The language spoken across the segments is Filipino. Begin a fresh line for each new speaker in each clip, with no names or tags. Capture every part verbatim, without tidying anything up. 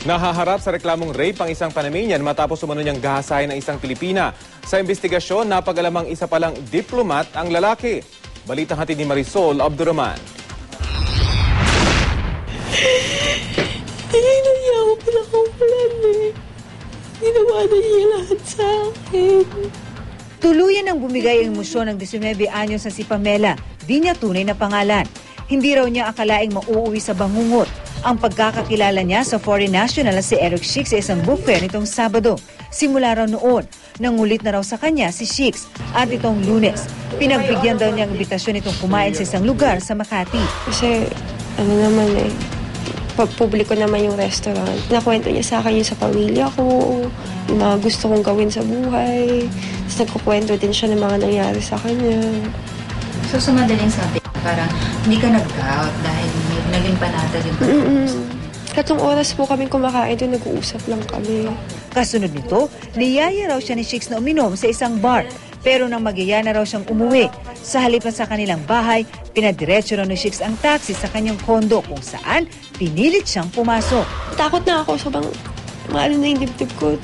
Nahaharap sa reklamong rape ang isang Panamanian matapos umano niyang gahasahin ng isang Pilipina. Sa investigasyon, napag-alamang isa palang diplomat ang lalaki. Balitang hatid ni Marisol Abdurrahman.
Hindi niya ako pinakawalan eh. Ginawa na niya lahat sa akin.
Tuluyan ang bumigay ang emosyon ng labing nine anyos na si Pamela. Di niya tunay na pangalan. Hindi raw niya akalaing mauuwi sa bangungot ang pagkakakilala niya sa foreign national na si Eric Shix sa isang book fair nitong Sabado. Simula raw noon, nangulit na raw sa kanya si Shix at itong Lunes. Pinagbigyan daw niya ang imbitasyon itong kumain sa isang lugar sa Makati.
Kasi ano naman eh, publiko naman yung restaurant. Nakwento niya sa akin yung sa pamilya ko, yung mga gusto kong gawin sa buhay. Tapos nagkukwento din siya ng mga nangyari sa kanya.
So sa madaling sabi, parang hindi ka nag-out dahil naging panatag yung pagkakas.
Katong oras po kami kumakain doon, nag-uusap lang kami.
Kasunod nito, niyaya raw siya ni Shix na uminom sa isang bar. Pero nang magyaya na raw siyang umuwi, sa halip na sa kanilang bahay, pinadiretso raw ni Shix ang taxi sa kanyang kondo kung saan pinilit siyang pumasok.
Takot na ako, sobrang maalo na yung dibdib ko.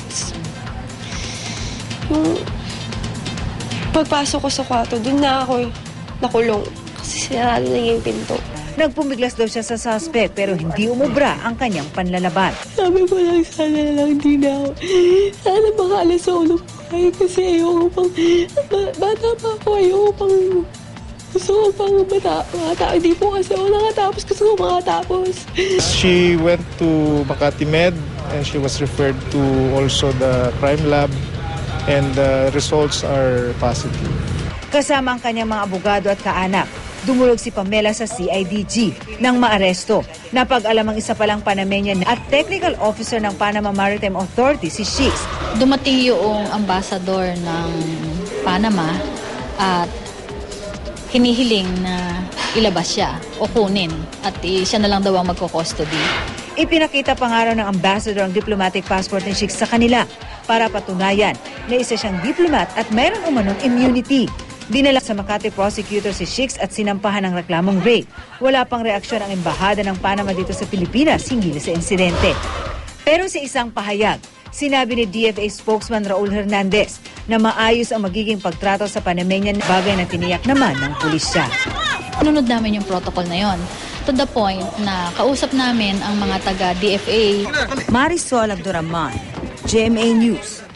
Yung pagpasok ko sa kwarto, doon na ako nakulong kasi sinarado na yung pinto.
Nagpumiglas daw siya sa suspect pero hindi umubra ang kanyang panlalaban.
Sabi ko lang, sana na lang din ako. Sana makaalis sa ulo ko kasi ayoko pang, bata pa ako, ayoko pang, gusto ko pang bata, makatapos. Hindi po kasi ako nakatapos, gusto ko makatapos.
She went to Makati Med and she was referred to also the crime lab and the results are positive.
Kasama ang kanyang mga abogado at kaanak, dumulog si Pamela sa C I D G nang maaresto. Napag-alam ang isa palang Panamanian at technical officer ng Panama Maritime Authority, si Shix.
Dumating yung ambassador ng Panama at hinihiling na ilabas siya o kunin at siya na lang daw ang magko-custody.
Ipinakita pa nga raw ng ambassador ang diplomatic passport ni Shix sa kanila para patunayan na isa siyang diplomat at mayroon umanong immunity. Dinala sa Makati prosecutor si Shix at sinampahan ng reklamong rape. Wala pang reaksyon ang embahada ng Panama dito sa Pilipinas hinggil sa insidente. Pero sa isang pahayag, sinabi ni D F A spokesman Raul Hernandez na maayos ang magiging pagtrato sa Panamanian, bagay na tiniyak naman ng pulisya.
Nunod namin yung protocol na yon. To the point na kausap namin ang mga taga-D F A.
Marisol Abdurrahman, G M A News.